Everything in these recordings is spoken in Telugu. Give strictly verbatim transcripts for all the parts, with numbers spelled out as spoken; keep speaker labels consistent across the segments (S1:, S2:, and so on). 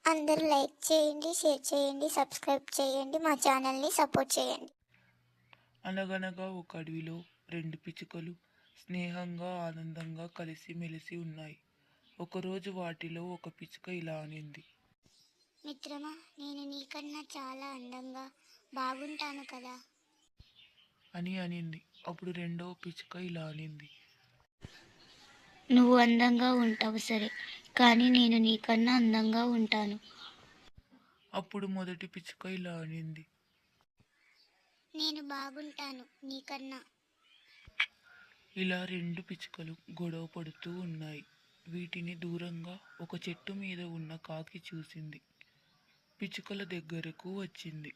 S1: అందరూ లైక్ చేయండి, షేర్ చేయండి, సబ్స్క్రైబ్ చేయండి, మా ఛానల్ని సపోర్ట్ చేయండి.
S2: అనగనగా ఒక అడవిలో రెండు పిచ్చుకలు స్నేహంగా ఆనందంగా కలిసిమెలిసి ఉన్నాయి. ఒకరోజు వాటిలో ఒక పిచ్చుక ఇలా అనింది.
S1: మిత్రమా, నేను నీకన్నా చాలా అందంగా బాగుంటాను కదా.
S2: అని అనింది. అప్పుడు రెండవ పిచ్చుక ఇలా అనింది.
S3: నువ్వు అందంగా ఉంటావు సరే, కానీ నేను నీకన్నా అందంగా ఉంటాను.
S2: అప్పుడు మొదటి పిచ్చుక ఇలా అనింది.
S1: నేను బాగుంటాను నీకన్నా.
S2: ఇలా రెండు పిచ్చుకలు గొడవ పడుతూ ఉన్నాయి. వీటిని దూరంగా ఒక చెట్టు మీద ఉన్న కాకి చూసింది. పిచ్చుకల దగ్గరకు వచ్చింది.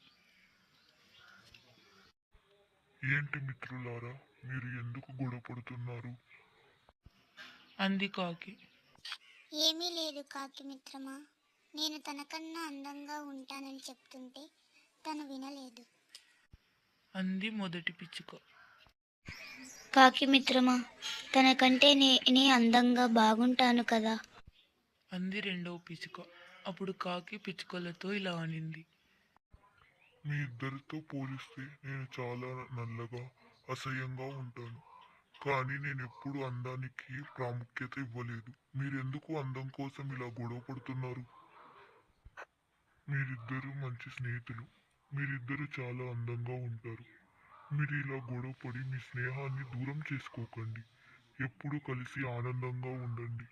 S4: ఏంటి మిత్రులారా, మీరు ఎందుకు గొడవ పడుతున్నారు?
S2: అంది కాకి.
S1: ఏమీ లేదు కాకి మిత్రమా, నేను తనకన్నా అందంగా ఉంటానని చెప్తుంటే తను వినలేదు.
S2: అంది మొదటి పిచ్చుక.
S3: కాకి మిత్రమా, తనకంటే నేనే అందంగా బాగుంటాను కదా.
S2: అంది రెండవ పిచ్చుక. అప్పుడు కాకి పిచ్చుకలతో ఇలా అనింది.
S4: మీ ఇద్దరితో పోలిస్తే నేను చాలా నల్లగా అసహ్యంగా ఉంటాను. కానీ నేను ఎప్పుడు అందానికి ప్రాముఖ్యత ఇవ్వలేదు. మీరెందుకు అందం కోసం ఇలా గొడవ పడుతున్నారు? మీరిద్దరూ మంచి స్నేహితులు. మీరిద్దరూ చాలా అందంగా ఉంటారు. మీరు ఇలా గొడవ పడి మీ స్నేహాన్ని దూరం చేసుకోకండి. ఎప్పుడూ కలిసి ఆనందంగా ఉండండి.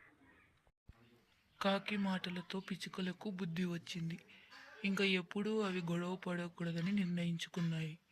S2: కాకి మాటలతో పిచ్చుకలకు బుద్ధి వచ్చింది. ఇంకా ఎప్పుడూ అవి గొడవ పడకూడదని నిర్ణయించుకున్నాయి.